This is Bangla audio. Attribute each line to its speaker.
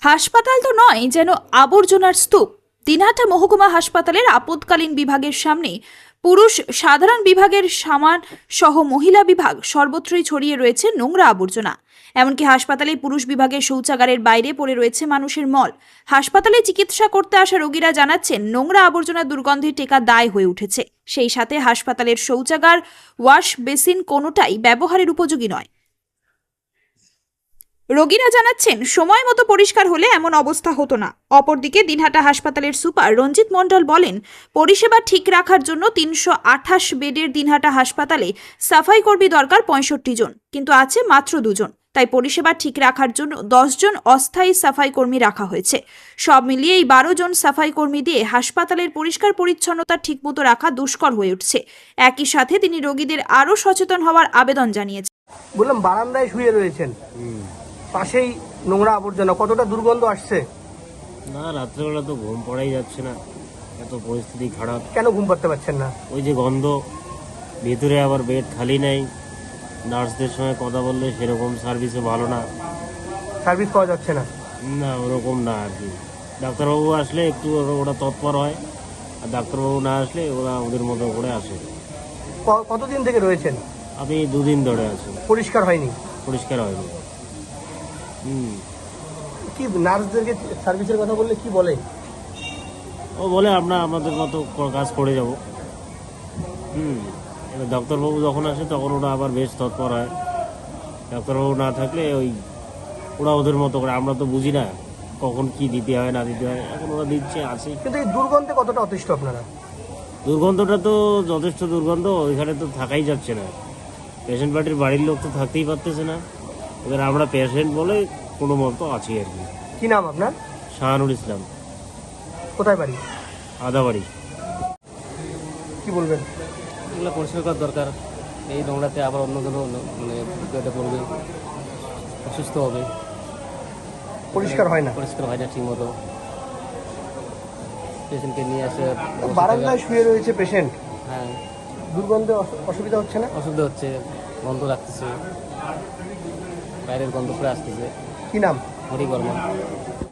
Speaker 1: হাসপাতাল তো নয়, যেন আবর্জনার স্তূপ। দিনহাটা মহকুমা হাসপাতালের আপদকালীন বিভাগের সামনে পুরুষ সাধারণ বিভাগের সামান সহ মহিলা বিভাগ সর্বত্রই ছড়িয়ে রয়েছে নোংরা আবর্জনা। এমনকি হাসপাতালে পুরুষ বিভাগের শৌচাগারের বাইরে পড়ে রয়েছে মানুষের মল। হাসপাতালে চিকিৎসা করতে আসা রোগীরা জানাচ্ছেন, নোংরা আবর্জনা দুর্গন্ধে টেকা দায় হয়ে উঠেছে। সেই সাথে হাসপাতালের শৌচাগার, ওয়াশ বেসিন কোনোটাই ব্যবহারের উপযোগী নয়। রোগীরা জানাচ্ছেন, সময় মতো পরিষ্কার হলে এমন অবস্থা হতো না। অপরদিকে দিনহাটা হাসপাতালের সুপার রঞ্জিত মণ্ডল বলেন, পরিষেবা ঠিক রাখার জন্য 328 বেডের দিনহাটা হাসপাতালে সাফাই কর্মী দরকার 65 জন, কিন্তু আছে মাত্র 2 জন। তাই পরিষেবা ঠিক রাখার জন্য 10 জন অস্থায়ী সাফাই কর্মী রাখা হয়েছে। সব মিলিয়ে এই 12 জন সাফাই কর্মী দিয়ে হাসপাতালের পরিষ্কার পরিচ্ছন্নতা ঠিকমতো রাখা দুষ্কর হয়ে উঠছে। একই সাথে তিনি রোগীদের আরও সচেতন হওয়ার আবেদন জানিয়েছেন।
Speaker 2: বললাম, বারান্দায় শুয়ে রয়েছেন, পাশেই নোংরা আবর্জনা, কতটা দুর্গন্ধ আসছে?
Speaker 3: না, রাত্রেবেলা তো ঘুম পড়াই যাচ্ছে না, এত পরিস্থিতি খারাপ।
Speaker 2: কেন ঘুম পাড়তে পারছেন না?
Speaker 3: ওই যে গন্ধ, ভেতরে আবার বেড খালি নেই, নার্সদের সঙ্গে কথা বললে সেরকম সার্ভিসও ভালো না।
Speaker 2: সার্ভিস পাওয়া যাচ্ছে না?
Speaker 3: না, ওরকম না আর কি। ডাক্তারবাবু আসলে একটু ওরা তৎপর হয়, আর ডাক্তারবাবু না আসলে ওরা ওদের মতো করে আসে।
Speaker 2: কতদিন থেকে রয়েছেন?
Speaker 3: আমি 2 দিন ধরে আছি।
Speaker 2: পরিষ্কার হয়নি?
Speaker 3: পরিষ্কার হয়নি।
Speaker 2: কি নার্সদেরকে সার্ভিসের কথা বললে কি বলে?
Speaker 3: ও বলে আমরা আমাদের মতো কাজ করে যাব। এবার ডাক্তারবাবু যখন আসে তখন ওরা আবার বেশ তৎপর হয়। ডাক্তারবাবু না থাকলে ওরা ওদের মতো করে, আমরা তো বুঝি না কখন কি দিতে হয় না দিতে হয়, এখন ওরা দিচ্ছে আছে।
Speaker 2: কিন্তু এই দুর্গন্ধে কতটা অতিষ্ঠ আপনারা?
Speaker 3: দুর্গন্ধটা তো যথেষ্ট দুর্গন্ধ, ওইখানে তো থাকাই যাচ্ছে না। পেশেন্ট পার্টির বাড়ির লোক তো থাকতেই পারতেছে না, এবার আমরা পেশেন্ট বলে কোনো মতো আছি আর কি।
Speaker 2: কি নাম আপনার?
Speaker 3: শাহানুর ইসলাম।
Speaker 2: কোথায় বাড়ি?
Speaker 3: আদাবাড়ি।
Speaker 2: কি বলবেন?
Speaker 4: এগুলো পরিষ্কার করার দরকার। এই নোংরাতে আবার অন্য কোনো বিপদে পড়বে, অসুস্থ হবে।
Speaker 2: পরিষ্কার হয় না?
Speaker 4: পরিষ্কার হয় না ঠিক মতো। পেশেন্টকে নিয়ে আসে
Speaker 2: বারান্দায় শুয়ে রয়েছে পেশেন্ট,
Speaker 4: হ্যাঁ,
Speaker 2: দুর্গন্ধে অসুবিধা হচ্ছে না?
Speaker 4: অসুবিধা হচ্ছে, গন্ধ লাগতেছে, বাইরের গন্ধ করে আসতেছে।
Speaker 2: কি নাম?
Speaker 4: হরি বর্মন।